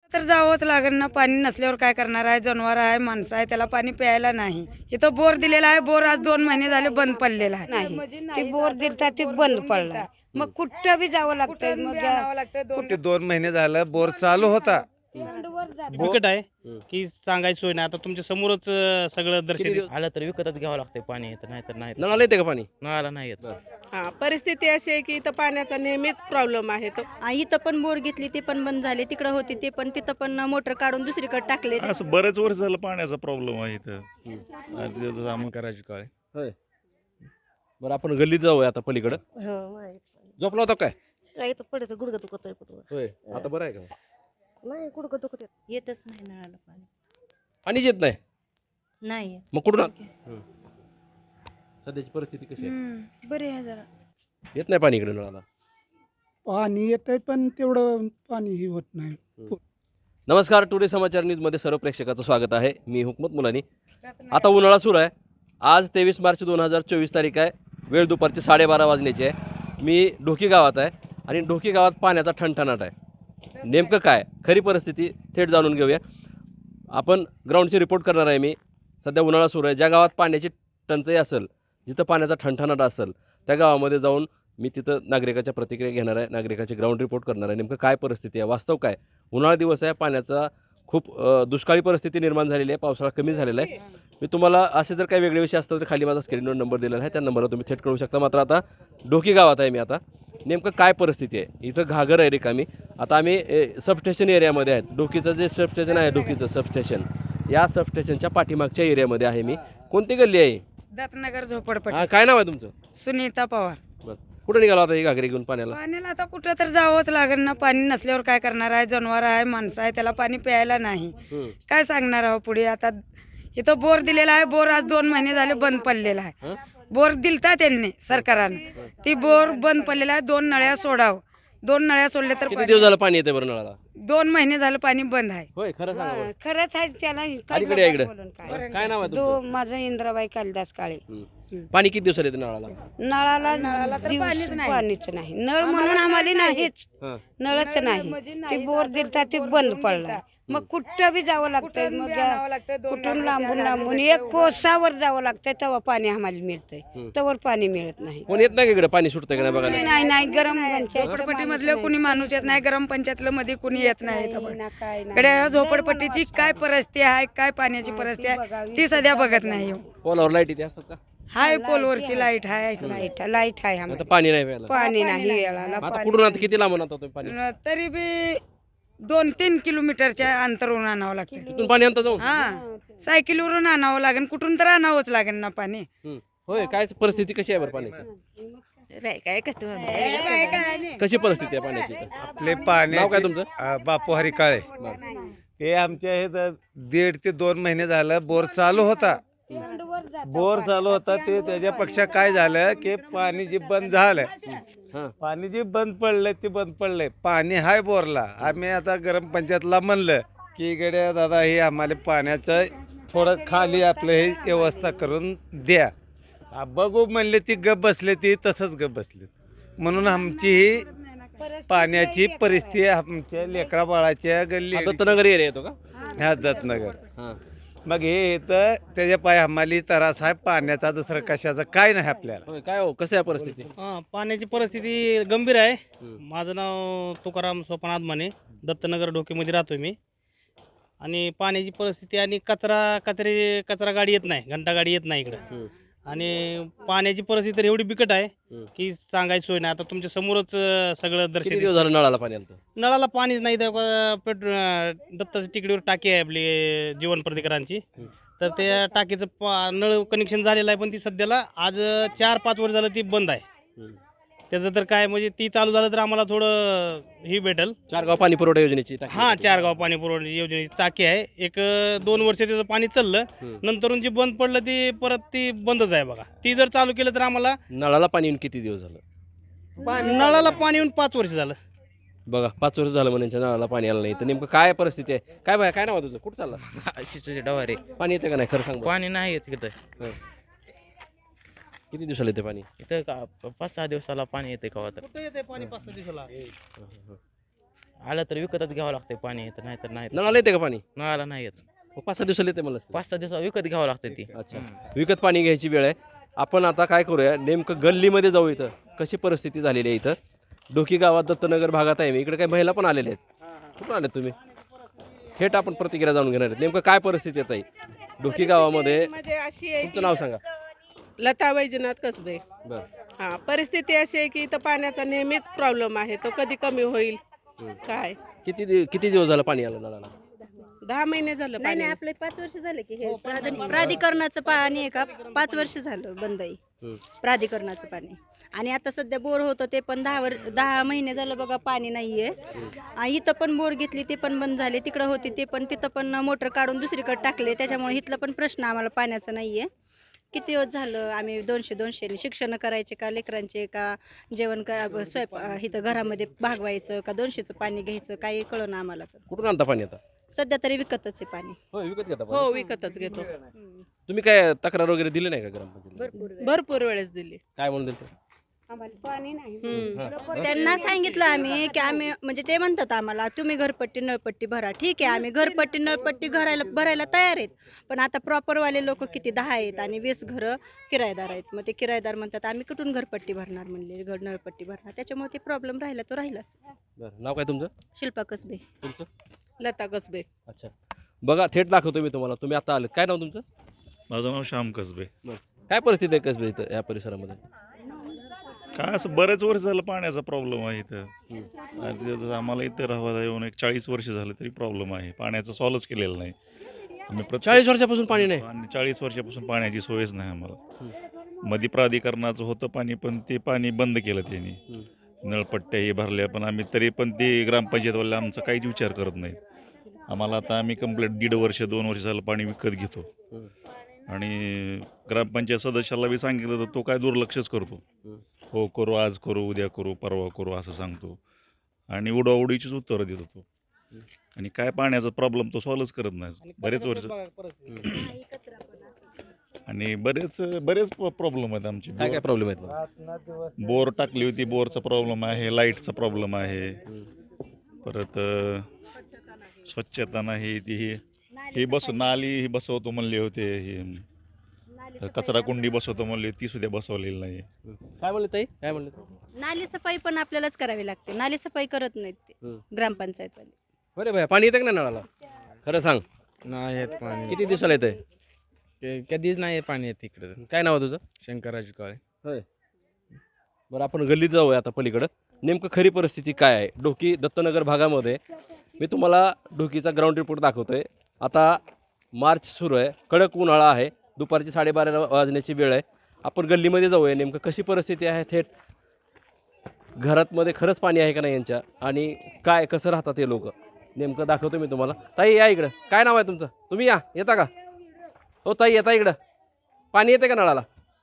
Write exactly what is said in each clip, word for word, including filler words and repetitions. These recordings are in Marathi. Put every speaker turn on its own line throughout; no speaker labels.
तर जावंच लागेल ना, पाणी नसल्यावर काय करणार आहे? जनावर आहे, माणसं आहे, त्याला पाणी प्यायला नाही. इथं बोर दिलेला आहे, बोर आज दोन महिने झाले बंद पडलेला आहे.
नाही ते बोर दिलता ते बंद पडला. मग कुठं बी जावं लागतंय. मग
ते दोन महिने झालं बोर चालू होता.
बिकट आहे की सांगायची सोय नाही. आता तुमच्या समोरच अं, सगळं दर्शन
आलं तर विकतच घ्यावं लागतंय पाणी, तर नाही तर नाही.
नळाला येते का पाणी?
नळाला नाही येत.
हा परिस्थिती अशी आहे की इथं पाण्याचा नेहमीच प्रॉब्लेम आहे तो.
आ, इथं पण बोर घेतली ते पण बंद झाले. तिकडं होती ते पण तिथं पण मोटर काढून दुसरीकडे टाकले.
असं बरेच वर्ष झालं पाण्याचा प्रॉब्लेम आहे इथं. आणि त्याचं सामान करायची काय.
होय. बरं आपण गल्लीत जाऊया आता पलीकडं. झोपला होता काय?
काय तर पडत गुडघा दुखत आहे
होय. आता बरं आहे का?
नाही गुडघा दुखत
येतच नाही नळाला पाणी.
पाणीच येत नाही.
नाही
मग कुठून हं. सध्याची परिस्थिती कशी आहे?
बरे आहे जरा.
येत नाही पाणी इकडे नळाला.
पाणी येत आहे पण तेवढं पाणीही होत नाही.
नमस्कार, टुडे समाचार न्यूजमध्ये सर्व प्रेक्षकाचं स्वागत आहे. मी हुकमत मुलानी. आता उन्हाळा सुरू आहे. आज तेवीस मार्च दोन हजार चोवीस तारीख आहे. वेळ दुपारची साडेबारा वाजण्याची आहे. मी ढोकी गावात आहे आणि ढोकी गावात पाण्याचा ठणठणाट आहे. नेमकं काय खरी परिस्थिती थेट जाणून घेऊया. आपण ग्राउंडची रिपोर्ट करणार आहे. मी सध्या उन्हाळा सुरू आहे. ज्या गावात पाण्याची टंचाई असेल, जिथं पाण्याचा ठणठणाट असेल, त्या गावामध्ये जाऊन मी तिथं नागरिकाच्या प्रतिक्रिया घेणार आहे. नागरिकाची ग्राउंड रिपोर्ट करणार आहे. नेमकं काय परिस्थिती आहे, वास्तव काय. उन्हाळा दिवस आहे, पाण्याचा खूप दुष्काळी परिस्थिती निर्माण झालेली आहे. पावसाळा कमी झालेला आहे. मी तुम्हाला असे जर काही वेगळे विषय असतात तर खाली माझा स्क्रीनवर नंबर दिलेला आहे, त्या नंबरवर तुम्ही थेट कळू शकता. मात्र आता ढोकी गावात आहे मी. आता नेमकं काय परिस्थिती आहे, इथं घागर आहे रिकामी. आता आम्ही सबस्टेशन एरियामध्ये आहेत. ढोकीचं जे सबस्टेशन आहे, ढोकीचं सबस्टेशन, या सबस्टेशनच्या पाठीमागच्या एरियामध्ये आहे मी. कोणती गल्ली आहे?
दत्तनगर झोपडपट्टी.
हा, काय नाव आहे तुमचं?
सुनीता पवार.
बरं, कुठं निघाला होता ही घागरी घेऊन पाण्याला?
पाण्याला आता कुठं तर जावंच लागेल ना, पाणी नसल्यावर काय करणार आहे? जनावर आहे, माणसं आहे, त्याला पाणी प्यायला नाही.
हं.
काय सांगणार आहो पुढे? आता इथं बोर दिलेला आहे, बोर आज दोन महिने झाले बंद पडलेला आहे.
हं?
बोर दिलता त्यांनी सरकारने, ती बोर बंद पडलेला आहे. दोन नळ्या सोडावं, दोन नळ्या सोडले तर
किती
पाणी-
दिवस झालं पाणी येते बरं नळाला?
दोन महिने झालं पाणी बंद आहे.
होय, खरं सांगा बरं.
खरंच आहे त्याला. काय
अलीकडे या इकडे.
बोलून काय?
बरं, काय नाव आहे
दो
तुमचं?
माझं इंद्राबाई कालिदास काळे.
हं. पाणी किती दिवसाला येते नळाला?
नळाला
नळाला तर
दिवस-
पाणीच नाही.
पाणीच नाही. नळ म्हणून आम्हाला नाहीच.
हां.
नळच नाही. ते बोर दिलता ते बंद पडला. मग कुठं बी जावं लागतंय.
कुठून
मग
बी आणावं लागतंय, दोन
कुठून
लाख
लांबून
रुपये
लांबून
आणावं
एक
लागतंय.
कोसावर जावं लागतंय तेव्हा पाणी आम्हाला मिळतंय.
हं.
तवर पाणी मिळत नाही.
कोण येत नाही का इकडे पाणी सुटतंय का नाही बघा ना?
नाही नाही गरम
झोपडपट्टी मधलं कुणी माणूस येत नाही, ग्राम पंचायतलं मध्ये कुणी येत नाही. इथं बघ.
काय
इकडे झोपडपट्टीची काय परिस्थिती आहे, काय पाण्याची परिस्थिती आहे, ती सध्या बघत नाही.
पोलावर लाईट इथे असतात का?
हाय पोलवरची लाईट आहे.
लाईट लाईट आहे
आता
आम्हाला.
पाणी नाही प्यायला.
पाणी नाही वेळाला.
आता
पाणी
कुठून आता
नाही.
किती लांबून आता तुम्ही पाणी?
न- तरी बी दोन तीन किलोमीटरच्या अंतरवरून आणावं लागतं.
तिथून पाणी आणता जाऊन?
हा, सायकलीवरून आणावं लागेल, कुठून तर आणावंच लागेल ना पाणी.
हं. होय, काय परिस्थिती कशी आहे बरं पाण्याची?
काय कसं
कशी परिस्थिती आहे पाण्याची इथं?
आपले
नाव
पाण्याचे
काय तुमचं?
अ, बापू हरी काळे. ते आमच्या हे द- दीड ते दोन महिने झालं बोर चालू होता. बोर चालू होता ते त्याच्यापेक्षा काय झालं की पाणी जे बंद झालं,
हां.
पाणी जे बंद पडलंय ते बंद पडलंय. पाणी हाय बोरला. आम्ही आता ग्राम पंचायतला म्हणलं की इकडे दादा हे आम्हाला पाण्याचं थोडं खाली आपलं हे व्यवस्था करून द्या. आ, बघू म्हणले ती गप बसले, ती तसंच गप बसले. म्हणून आमची ही पाण्याची परिस्थिती आमच्या लेकरा बाळाच्या गल्ली
हा, दत्तनगर एरिया येतो का?
ह्या दत्तनगर.
हां.
मग हे इथं त्याच्या पाय आम्हाला त्रास आहे पाण्याचा, दुसरं कशाचं काय नाही आपल्याला.
होय, काय हो, कसं आहे परिस्थिती?
हा, पाण्याची परिस्थिती गंभीर आहे.
हं.
माझं नाव तुकाराम सोपान आदमाने, दत्तनगर ढोकीमध्ये राहतोय मी. आणि पाण्याची परिस्थिती आणि कचरा कचरे कचरा गाडी येत नाही, घंटा गाडी येत नाही इकडं.
हं.
आणि पाण्याची परिस्थिती तर एवढी बिकट आहे
हं.
की सांगायची सोय नाही. आता तुमच्या समोरच अं, सगळं
किती
दर्शन
दिवस झालं नळाला पाणी आणतं?
नळाला पाणीच नाही. तर पेट्रोल दत्ताच्या टिकडीवर टाकी आहे आपली अं, जीवन प्रतिकारांची.
हं.
तर त्या टाकीचं पा नळ कनेक्शन झालेलं आहे, पण ती सध्याला आज अं, चार पाच वर्ष झालं ती बंद आहे.
हं.
त्याचं तर काय म्हणजे ती चालू झालं तर आम्हाला थोडं ही भेटेल.
चारगाव पाणी पुरवठा योजनेची टाकी
हा,
होती.
चार गाव पाणी पुरवठा योजनेची टाकी आहे. एक अं, दोन वर्ष त्याचं पाणी चाललं,
हं.
नंतरून जी बंद पडलं ती परत ती बंदच आहे बघा. ती जर चालू केलं तर आम्हाला
नळाला पाणी येऊन किती दिवस झालं?
नळाला पाणी येऊन पाच वर्ष झालं.
बघा, पाच वर्ष झालं म्हणजे नळाला पाणी आलं नाही. तर नेमकं काय परिस्थिती आहे? काय बाय काय नाव आहे तुझं? कुठं चालला?
शिवचे डवारे.
पाणी येते का नाही खरं सांग बरं.
पाणी नाही येत इथं.
किती दिवसाला येते पाणी?
इथं का पाच सहा दिवसाला पाणी येते कवा तर.
कुठं येते पाणी पाच सहा दिवसाला?
आलं तर विकतच घ्यावं लागतंय पाणी येतं नाही तर नाही
नळाला येते का पाणी?
नळाला नाही येत.
मग पाच सहा दिवसाला येते मला.
पाच सहा दिवस विकत घ्यावं लागतं ती.
अच्छा, विकत पाणी घ्यायची वेळ आहे. आपण आता काय करूया, नेमकं गल्लीमध्ये जाऊ. इथं कशी परिस्थिती झालेली आहे. इथं डोकी गावात दत्तनगर भागात आहे मी. इकडे काही महिला पण आलेल्या आहेत. कुठून आले तुम्ही? थेट आपण प्रतिक्रिया जाणून घेणार आहेत. नेमकं काय परिस्थिती येत आहे डोकी गावामध्ये?
म्हणजे अशी आहे
तुमचं नाव सांगा.
लता वैजनाथ कसबे.
बरं.
हा, परिस्थिती अशी आहे की इथं पाण्याचा नेहमीच प्रॉब्लेम आहे. तो कधी कमी होईल काय?
किती दि- किती दिवस झालं पाणी आलं नळाला?
दहा महिने झालं
नाही
पाणी.
नाही आपले पाच वर्ष झाले की हे प्राधिक- प्राधिकरणाचं पाणी आहे का पाच वर्ष झालं बंद आहे.
हम्म.
प्राधिकरणाचं पाणी आणि आता सध्या बोर होतं ते पण दहा वर दहा महिने झालं बघा पाणी नाहीये. आ, इथं पण बोर घेतली ते पण बंद झाले. तिकडं होती ते पण तिथं पण मोटर काढून दुसरीकडे टाकले. त्याच्यामुळे इथला पण प्रश्न आम्हाला पाण्याचा नाहीये. किती दिवस झालं आम्ही दोनशे दोनशे शिक्षण करायचे का लेकरांचे का जेवण का स्वयंपाक इथं घरामध्ये भागवायचं का दोनशेचं पाणी घ्यायचं काही कळलं ना आम्हाला. तर
कुठून आणता पाणी आता?
सध्या तरी विकतच आहे पाणी.
हो, विकत घेता पाणी.
हो, विकतच घेतो.
तुम्ही काय तक्रार वगैरे दिली नाही का ग्रामपंचायत?
भरपूर
भरपूर वेळेस दिली.
काय म्हणून दिलं?
पाणी नाही.
हम्म.
त्यांना सांगितलं आम्ही की आम्ही म्हणजे ते म्हणतात आम्हाला तुम्ही घरपट्टी नळपट्टी भरा. ठीक आहे, आम्ही घरपट्टी नळपट्टी घरायला भरायला तयार आहेत. पण आता प्रॉपरवाले लोक किती दहा आहेत आणि वीस घरं किरायदार आहेत. मग ते किरायदार म्हणतात आम्ही कुठून घरपट्टी भरणार म्हणले घर नळपट्टी भरणार. त्याच्यामुळे ते प्रॉब्लेम राहिला तो राहिलाच.
बरं, नाव काय तुमचं?
शिल्पा कसबे.
तुमचं?
लता कसबे.
अच्छा, बघा थेट दाखवतो मी तुम्हाला. तुम्ही आता आलेत. काय नाव तुमचं?
माझं नाव श्याम कसबे.
काय परिस्थिती आहे कसबे इथं या परिसरामध्ये?
काय असं बरेच वर्ष झालं पाण्याचा प्रॉब्लेम आहे इथं. आणि जसं आम्हाला इथं राहायला येऊन एक चाळीस वर्ष झालं तरी प्रॉब्लेम आहे. पाण्याचा सॉल्वच केलेला नाही. आम्ही प्रत्येक-
चाळीस वर्षापासून पाणी नाही?
आणि चाळीस वर्षापासून पाण्याची सोयच नाही आम्हाला. मध्ये प्राधिकरणाचं होतं पाणी पण ते पाणी बंद केलं त्यांनी. नळपट्ट्या हे भरल्या पण आम्ही तरी पण ते ग्रामपंचायतवाले आमचा काहीच विचार करत नाहीत. आम्हाला आता आम्ही कंप्लीट दीड वर्ष दोन वर्ष झालं पाणी विकत घेतो. आणि ग्रामपंचायत सदस्याला बी सांगितलं तर तो काय दुर्लक्षच करतो. हो करू, आज करू, उद्या करू, परवा करू असं सांगतो. आणि उडवाउडीचीच उत्तरं देतो तो. आणि काय पाण्याचा प्रॉब्लेम तो सॉल्वच करत नाही बरेच वर्ष. आणि बरेच बरेच प्रॉब्लेम आहेत आमचे.
काय काय प्रॉब्लेम आहेत?
बोर टाकली होती, बोरचा प्रॉब्लेम आहे, लाईटचा प्रॉब्लेम आहे, परत अ, स्वच्छता नाही. ती ही ही बस नाली ही बसवतो म्हणले होते. ही कचरा कुंडी बसवतो म्हणले, ती सुद्धा बसवलेली नाही.
काय म्हणले ताई? काय म्हणले?
नाली सफाई पण आपल्यालाच करावी लागते. नाली सफाई करत नाहीत ते
हम्म.
ग्रामपंचायत वाले.
बरे भाई, पाणी येतं का नाही नळाला? खरं सांग,
नाही येत पाणी.
किती दिवसाला येतंय?
ते कधीच नाही येत पाणी येत इकडे.
काय नाव आहे तुझं?
शंकराजी काळे.
बरं, आपण गल्लीत जाऊया आता पलीकडं. नेमकं खरी परिस्थिती काय आहे डोकी दत्तनगर भागामध्ये? मी तुम्हाला डोकीचा ग्राउंड रिपोर्ट दाखवतोय. आता मार्च सुरू आहे, कडक उन्हाळा आहे, दुपारची साडेबारा वाजण्याची वेळ आहे. आपण गल्लीमध्ये जाऊया, नेमकं कशी परिस्थिती आहे. थेट घरातमध्ये खरंच पाणी आहे का नाही यांच्या, आणि काय कसं राहतात हे लोक, नेमकं दाखवतो मी तुम्हाला. ताई या इकडं. काय नाव आहे तुमचं? तुम्ही या, येता का? हो ताई, येता इकडं. पाणी येते का नळाला?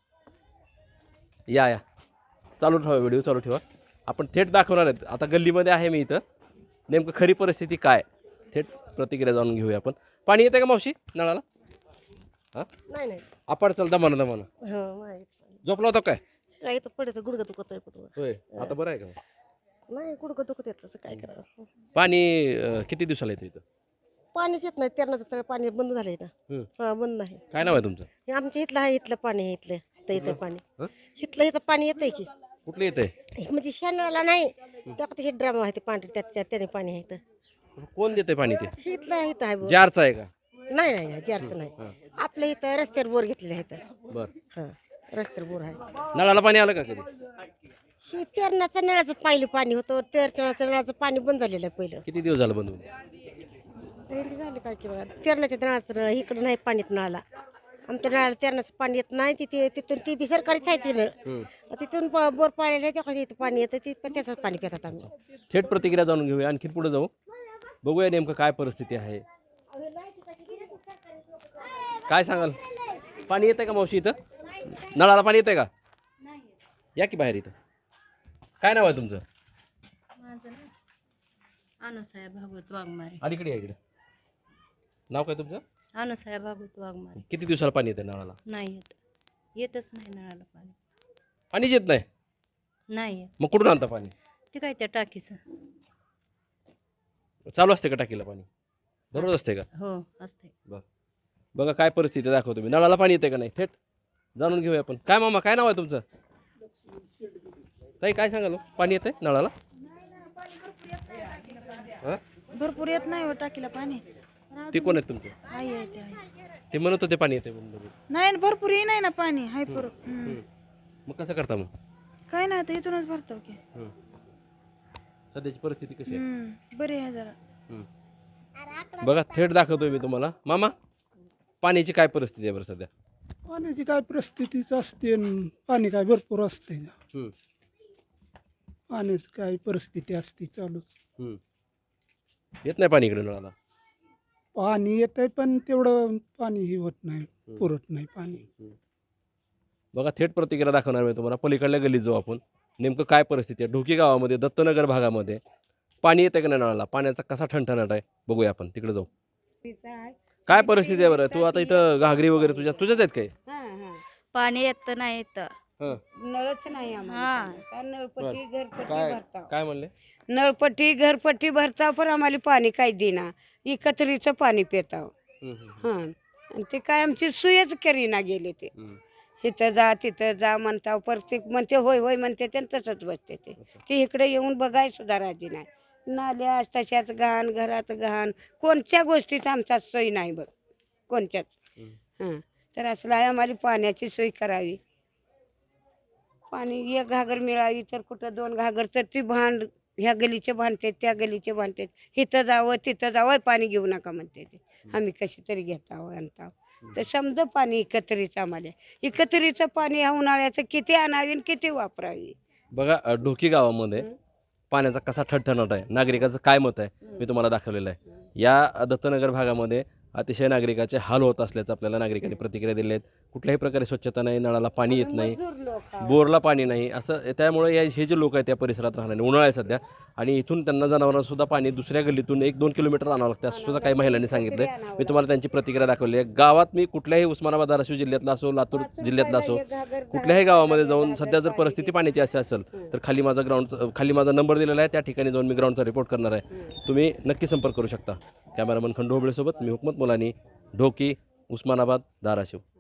या या, चालू ठेवा, व्हिडिओ चालू ठेवा. आपण थेट दाखवणार आहेत. आता गल्लीमध्ये आहे मी इथं. नेमकं खरी परिस्थिती काय, थेट प्रतिक्रिया जाणून घेऊया आपण. पाणी येते का मावशी नळाला? हां,
नाही नाही.
आपण चलता म्हणा म्हणा.
हो नाही.
झोपला होता काय?
काय तर पडत गुडघं दुखत आहे कुठं.
होय, आता बरं आहे का?
नाही, गुडघं दुखत येत तसं काय करावं.
पाणी अं, किती दिवसाला येतं इथं?
पाणीच येत नाही. त्यांना तर पाणी बंद झालंय ना.
हम्म.
हा, बंद नाही.
काय नाव आहे तुमचं?
हे आमच्या इथलं आहे, इथलं पाणी आहे. इथलं इथं येतं पाणी.
हं?
इथलं इथं पाणी येतंय की.
कुठलं येतंय?
म्हणजे शेणाला नाही, त्या तसे ड्रामा आहे ते पांढरे, त्यात त्यात त्याने पाणी आहे इथं.
कोण देते पाणी ते?
हे इथलं आहे, इथं आहे बोर.
जारचं आहे का?
नाही नाही नाही, जारचं नाही.
हां.
आपल्या इथं रस्त्यावर बोर घेतलेलं आहे इथं.
बरं,
हां, रस्त्यावर बोर आहे.
नळाला पाणी आलं का कधी?
हे पेरण्याचं नळाचं पहिलं पाणी होतं, तेरण्याचं नळाचं पाणी बंद झालेलं आहे पहिलं.
किती दिवस झालं बंद होऊन?
हे झालं काय की बघा, तेरण्याच्या नळाचं नळ इकडं नाही पाणी येत नळाला. आमच्या नळाला तेरण्याचं पाणी येत नाही. तिथे तिथून ती बी सरकारीच आहे ती नळ.
हम्म.
तिथून ब- बोर पाळलेलं आहे, तेव्हा इथं पाणी येतं, ते पण त्याचंच पाणी पितात आम्ही.
थेट प्रतिक्रिया जाणून घेऊया. आणखी पुढे जाऊ, बघूया नेमकं काय परिस्थिती आहे. काय सांगाल? पाणी येतंय का मावशी इथं? नळाला पाणी येतंय का? या की बाहेर इथं. काय नाव आहे तुमचं?
माझं ना अनुसाया भागवत वाघमारे.
अलीकडे या इकडे. नाव काय तुमचं?
अनुसाया भागवत वाघमारे.
किती दिवसाला पाणी येतंय नळाला?
नाही येत, येतच नाही नळाला पाणी.
पाणीच येत नाही?
नाही येत.
मग कुठून आणता पाणी?
ते काय त्या टाकीचं.
चालू असते का टाकीला पाणी दररोज असते का?
हो असते.
बघा काय परिस्थिती दाखवतो मी. नळाला पाणी येते का नाही थेट जाणून घेऊया आपण. काय मामा काय नाव आहे तुमचं? ताई काय सांगाल हो? पाणी येते नळाला? हा?
भरपूर येत नाही टाकीला पाणी.
ते कोण आहेत तुमचे?
आई आहे ते आहे.
ते म्हणत होते पाणी येते म्हणून.
नाही भरपूर ये नाही ना पाणी हाय पर
मग कसं करता मग?
काय नाही तर इथूनच भरतो की.
सध्याची परिस्थिती कशी आहे?
बरी आहे जरा.
बघा थेट दाखवतोय मी तुम्हाला. मामा पाण्याची काय परिस्थिती आहे बरं सध्या?
पाण्याची काय परिस्थितीच असते न पाणी काय भरपूर असते
हम्म.
पाण्याची काय परिस्थिती असते चालूच.
येत नाही पाणी इकडे नळाला?
पाणी येतंय पण तेवढं पाणी ही होत नाही, पुरत नाही पाणी.
बघा थेट प्रतिक्रिया दाखवणार मी तुम्हाला. पलीकडल्या गल्लीत जाऊ आपण. नेमकं काय परिस्थिती आहे ढोकी गावामध्ये दत्तनगर भागामध्ये पाणी येते का नाही नळाला? पाण्याचा कसा ठणठणाट आहे बघूया आपण. तिकडे जाऊ. काय परिस्थिती आहे बरं? तू आता इथं घागरी वगैरे तुझ्या तुझ्याच आहेत काय?
पाणी येत नाही येतं.
नळच नाही आम्हाला. काय नळपट्टी घरपट्टी
काय
भरता.
काय म्हणले?
नळपट्टी घरपट्टी भरता पण आम्हाला पाणी काही देना. एकत्रीचं पाणी पिताव. हा आणि ते काय आमची सुयच करीना गेले ते. इथं जा तिथं जा म्हणता प्रत्येक म्हणते होय होय म्हणते ते तसंच बसते ते. ते इकडे येऊन बघाय सुद्धा राजी नाही. नाल्या तशाच घाण घरात घाण कोणत्या गोष्टीत आमचा सोय नाही बघ कोणत्याच. हां तर असलं आहे आम्हाला पाण्याची सोय करावी. पाणी एक घागर मिळावी तर कुठं दोन घागर तर ती भांड ह्या गलीचे भांडते त्या गलीचे भांडते. इथं जावं तिथं जावं पाणी घेऊ नका म्हणते ते. आम्ही कशी तरी घेताव आणताव. तर समजा पाणी एकत्रित आम्हाला. एकत्रीचं पाणी ह्या उन्हाळ्याचं किती आणावी आणि किती वापरावी.
बघा अ, ढोकी गावामध्ये पाण्याचा कसा ठणठणाट आहे नागरिकाचं काय मत आहे मी तुम्हाला दाखवलेलं आहे. या दत्तनगर भागामध्ये अतिशय नागरिकाचे हाल होत असल्याचं आपल्याला नागरिकांनी प्रतिक्रिया दिल्या आहेत. कुठल्याही प्रकारे स्वच्छता नाही, नळाला पाणी येत नाही, बोरला पाणी नाही. असं त्यामुळे या हे जे लोक आहेत त्या परिसरात राहणारे उन्हाळा आहे सध्या आणि इथून त्यांना जनावरांना सुद्धा पाणी दुसऱ्या गल्लीतून एक दोन किलोमीटर आणावं लागतं असं सुद्धा काही महिलांनी सांगितलं. मी तुम्हाला त्यांची प्रतिक्रिया दाखवली आहे. गावात मी कुठल्याही उस्मानाबाद धाराशिव जिल्ह्यातला असो लातूर जिल्ह्यातला असो कुठल्याही गावामध्ये जाऊन सध्या जर परिस्थिती पाण्याची अशी असेल तर खाली माझा ग्राउंड खाली माझा नंबर दिलेला आहे. त्या ठिकाणी जाऊन मी ग्राउंडचा रिपोर्ट करणार आहे. तुम्ही नक्की संपर्क करू शकता. कॅमेरामन खंडू होबळेसोबत मी हुकमत मुलानी ढोकी उस्मानाबाद धाराशिव.